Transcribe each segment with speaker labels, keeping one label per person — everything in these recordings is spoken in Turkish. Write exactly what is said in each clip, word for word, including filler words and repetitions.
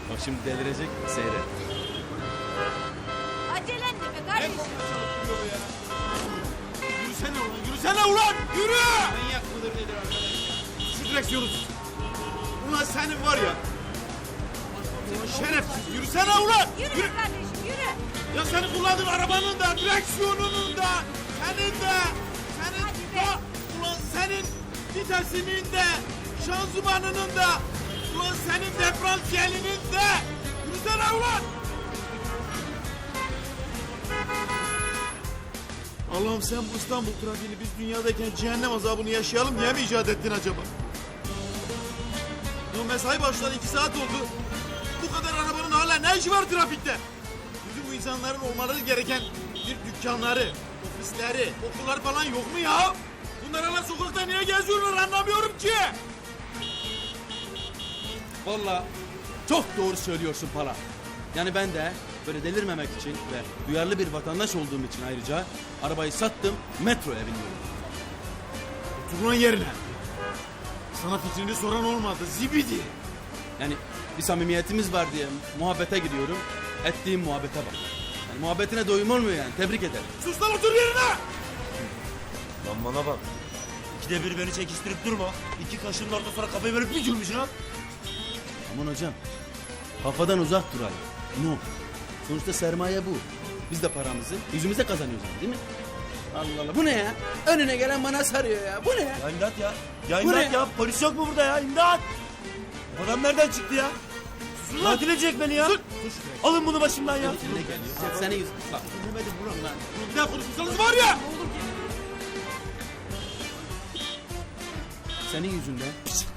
Speaker 1: Bak şimdi delirecek, seyret.
Speaker 2: Acelen de be kardeşim.
Speaker 3: Yürüsene ulan, yürüsene ulan! Yürü! Manyak mıdır nedir arkadaş ya? Şu direksiyonu tut. Ulan senin var ya. Ulan şerefsiz, yürüsene ulan!
Speaker 2: Yürü be kardeşim yürü.
Speaker 3: Ya senin kullandığın arabanın da, direksiyonunun da, senin de, senin
Speaker 2: Hadi be.
Speaker 3: da, ulan senin vitesinin de, şanzımanının da, ulan senin diferansiyelinin de. Yürüsene ulan! Allah'ım sen bu İstanbul trafiğini biz dünyadayken cehennem azabını yaşayalım diye mi icat ettin acaba? Ya mesai başladı iki saat oldu. Bu kadar arabanın hala ne işi var trafikte? Bizim bu insanların olmaları gereken bir dükkanları, ofisleri, okullar falan yok mu ya? Bunlar hala sokakta niye geziyorlar anlamıyorum ki.
Speaker 1: Vallahi çok doğru söylüyorsun Pala. Yani ben de böyle delirmemek için ve duyarlı bir vatandaş olduğum için ayrıca arabayı sattım, metroya biniyorum.
Speaker 3: Otur lan yerine. Sana fikrini soran olmadı zibidi.
Speaker 1: Yani bir samimiyetimiz var diye muhabbete gidiyorum. Ettiğim muhabbete bak. Yani muhabbetine doyum olmuyor yani. Tebrik ederim.
Speaker 3: Sus lan otur yerine.
Speaker 4: Lan bana bak. İkide bir beni çekiştirip durma. İki kaşının orta sonra kafayı böyle bir gülmüş ha.
Speaker 1: Aman hocam. Kafadan uzak duralım. No. Sonuçta sermaye bu. Biz de paramızı yüzümüze kazanıyoruz yani, değil mi? Allah Allah. Bu ne ya? Önüne gelen bana sarıyor ya. Bu ne ya?
Speaker 4: Ya imdat ya. Ya
Speaker 1: Bu
Speaker 4: imdat
Speaker 1: ne?
Speaker 4: ya. Polis yok mu burada ya? İmdat. Bu adam nereden çıktı ya? Katil edecek beni ya. Alın bunu başımdan ya.
Speaker 1: Senin geliyor. Senin yüzünden. Bak.
Speaker 3: Bir daha konuşursanız var ya.
Speaker 1: Senin yüzünden.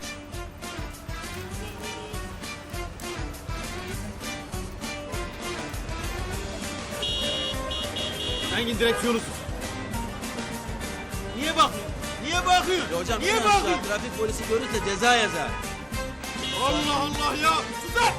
Speaker 3: Engin direksiyonu tut. Niye bakıyorsun? Niye bakıyorsun?
Speaker 1: Ya hocam
Speaker 3: Niye
Speaker 1: en aşağı
Speaker 3: bakıyorsun?
Speaker 1: trafik polisi görürse ceza yazar.
Speaker 3: Allah Allah ya. Sus lan.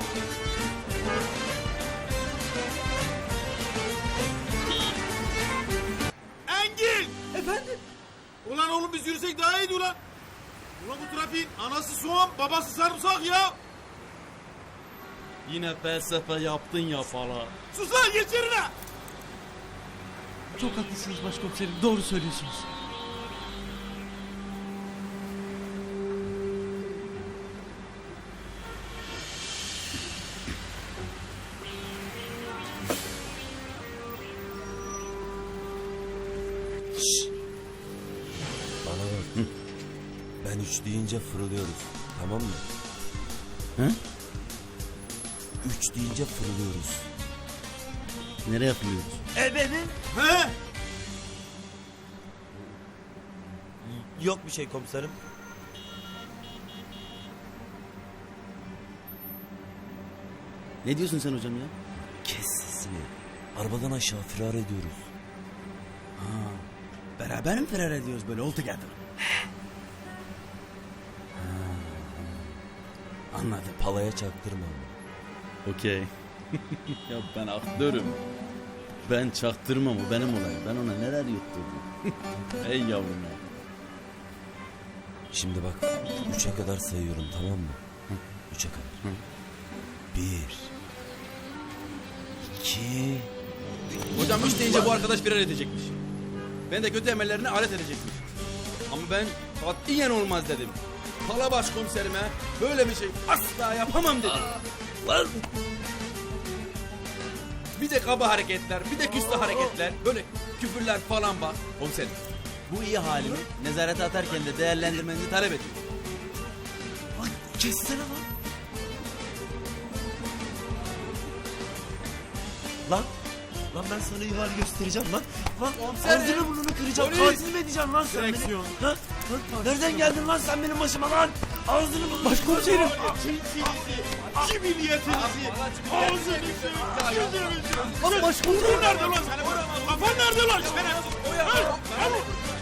Speaker 3: Engin!
Speaker 1: Efendim?
Speaker 3: Ulan oğlum biz yürüsek daha iyiydi ulan. Ulan bu trafiğin anası soğan, babası sarımsak ya.
Speaker 1: Yine felsefe yaptın ya falan.
Speaker 3: Sus lan geç yerine.
Speaker 5: Çok haklısınız başkomiserim. Doğru söylüyorsunuz.
Speaker 4: Bana bak. Ben üç deyince fırlıyoruz. Tamam mı?
Speaker 1: Hı?
Speaker 4: Üç deyince fırlıyoruz.
Speaker 1: Nereye yapılıyoruz?
Speaker 4: E benim?
Speaker 3: He?
Speaker 4: Yok bir şey komiserim.
Speaker 1: Ne diyorsun sen hocam ya?
Speaker 4: Kes sesini. Arabadan aşağı firar ediyoruz.
Speaker 1: Beraber mi firar ediyoruz böyle all together? Ha, anladım.
Speaker 4: Palaya çaktırma.
Speaker 1: Okey. Ya ben aktörüm. Ben çaktırmam, o benim olayım. Ben ona neler yutturdum. Ey yavrum ya.
Speaker 4: Şimdi bak. Üçe kadar sayıyorum tamam mı? Üçe kadar.
Speaker 1: Hı.
Speaker 4: Bir. İki.
Speaker 1: Hocam üç deyince bu arkadaş firar edecekmiş. Ben de kötü emellerini alet edecekmiş. Ama ben katiyen olmaz dedim. Pala başkomiserime böyle bir şey asla yapamam dedim.
Speaker 4: Lan.
Speaker 1: Bir de kaba hareketler, bir de küstah hareketler, böyle küfürler falan bak. Komiserim, bu iyi halimi nezarete atarken de değerlendirmenizi talep ediyorum.
Speaker 4: Lan kessene lan. Lan. Lan ben sana iyi hal göstereceğim lan. Lan
Speaker 1: Komiserim.
Speaker 4: ağzını burnunu kıracağım.
Speaker 1: Polis.
Speaker 4: Katil mi edeceğim lan sen
Speaker 3: Direksiyon.
Speaker 4: beni? Ha? Lan, nereden geldin lan sen benim başıma lan? Ağzını burnunu
Speaker 5: Başkomiserim.
Speaker 3: Cinsinizi, cibiliyetinizi, ağzınızı, yüzünüzü.
Speaker 5: Ama başkomiserim.
Speaker 3: Nerede lan senin? Kafan nerede lan? Şerefsiz. He? He?